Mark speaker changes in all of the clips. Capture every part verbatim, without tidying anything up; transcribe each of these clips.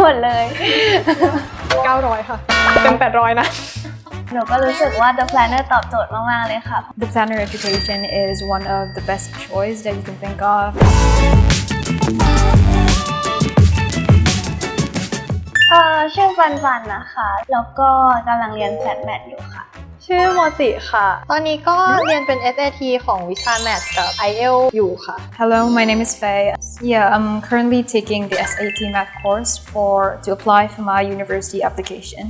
Speaker 1: หมดเลย
Speaker 2: เก้าร้อยค่ะเต็มแปดร้อยนะ
Speaker 1: หนูก็รู้สึกว่า The Planner ตอบโจทย์มากๆเลยค่ะ
Speaker 3: The Planner education is one of the best choice that you can think of.
Speaker 1: เอ่อชื่อฟันฟันนะคะแล้วก็กำลังเรียนแฟดแมทอยู่ค่ะ
Speaker 2: ชื่อโมจิค่ะตอนนี้ก็เรียนเป็น เอส เอ ที ของวิชาแมทกับ ไอ เอล อยู่ค่ะ
Speaker 3: Hello, my name is Faye. Yeah, I'm currently taking the เอส เอ ที math course for to apply for my university application.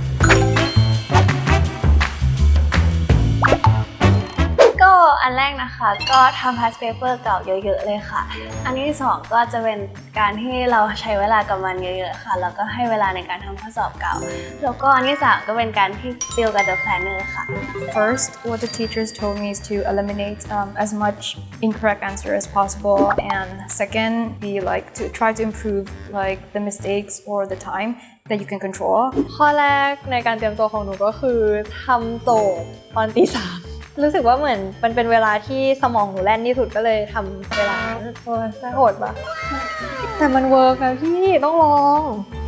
Speaker 1: ก็อันแรกนะคะก็ทำ past paper เก่าเยอะๆเลยค่ะอันที่สองก็จะเป็นการที่เราใช้เวลากับมันเยอะๆค่ะแล้วก็ให้เวลาในการทำข้อสอบเก่าแล้วก็อันที่สามก็เป็นการที่ติวกับ The Planner ค่ะ
Speaker 3: First, what the teachers told me is to eliminate um, as much incorrect answer as possible, and second, be like to try to improve like the mistakes or the time that you can control.
Speaker 2: ข้อแรกในการเตรียมตัวของหนูก็คือทำโจทย์ตอนตีสามรู้สึกว่าเหมือนมันเป็นเวลาที่สมองหนูแล่นที่สุดก็เลยทำเวลานั้นโอ้ยน่าโหดปะแต่มันเวิร์กนะพี่ต้องลอง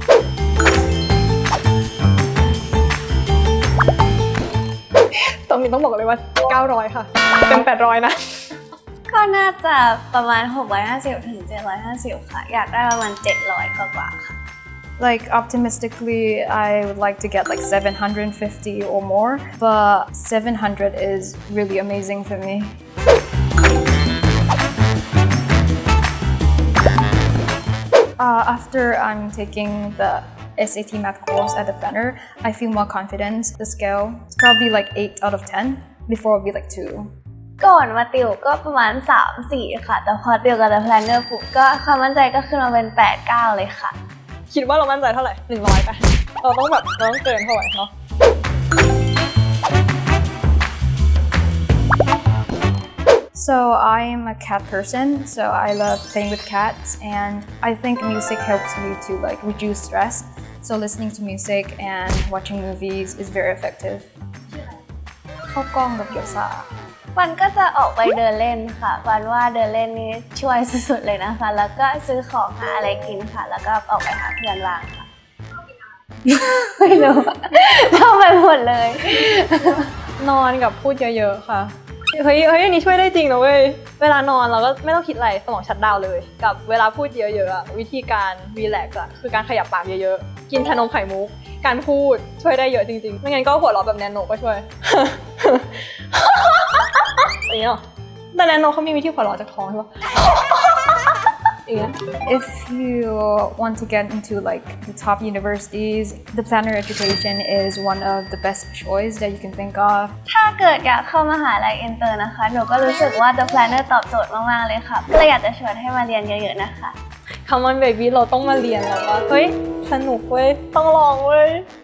Speaker 2: ตรงนี้ต้องบอกเลยว่าเก้าร้อยค่ะเต็มแปดร้อยนะ
Speaker 1: ก็น่าจะประมาณหกร้อยห้าสิบถึงเจ็ดร้อยห้าสิบค่ะอยากได้ประมาณเจ็ดร้อยกว่าๆค่ะ
Speaker 3: Like optimistically, I would like to get like seven hundred fifty or more, but seven hundred is really amazing for me. Uh, after I'm taking the เอส เอ ที math course at the Planner, I feel more confident. The scale is probably like eight out of ten. Before it would be like two.
Speaker 1: ก่อนมาติวก็ประมาณ สามสี่ ค่ะแต่พอติวกับ The Planner ปุ๊บก็ความมั่นใจก็ขึ้นมาเป็น แปดเก้า เลยค่ะ
Speaker 2: คิดว่าเรามั่นใจเท่าไหร่หนึ่งร้อยป่ะเราต้องแบบเราต้องเกินเท่าไหร่เนาะ
Speaker 3: So I'm a cat person, so I love playing with cats, and I think music helps me to like reduce stress. So listening to music and watching movies is very effective. เข้ากล้องกับเกียวซา
Speaker 1: วันก็จะออกไปเดินเล่นค่ะวันว่าเดินเล่นนี้ช่วยสุดๆเลยนะคะแล้วก็ซื้อของหาอะไรกินค่ะแล้วก็ออกไปหาเพื่อนบ้างค่ะไม่รู้ทำไปหมดเลย
Speaker 2: นอนกับพูดเยอะๆค่ะเฮ้ยเฮ้ยอันนี้ช่วยได้จริงนะเว้ยเวลานอนเราก็ไม่ต้องคิดอะไรสมองชัตดาวน์เลยกับเวลาพูดเยอะๆวิธีการรีแลกซ์อะคือการขยับปากเยอะๆกินชานมไข่มุกการพูดช่วยได้เยอะจริงๆไม่งั้นก็หัวเราะแบบแนนโนก็ช่วยอย่างเงี้ยแต่แนนโนเขามีวิธีหัวเราะจากท้องใช่ปะ
Speaker 3: If you want to get into like the top universities, the Planner education is one of the best choice that you can think of.
Speaker 1: ถ้าเกิดอยากเข้ามหาลัยอินเตอร์นะคะหนูก็รู้สึกว่า The Planner ตอบโจทย์มากๆเลยค่ะเลยอยากจะชวนให้มาเรียนเยอะๆนะคะ
Speaker 2: Come on baby เราต้องมาเรียนแล้วว่าเฮ้ยสนุกเว้ยต้องลองเว้ย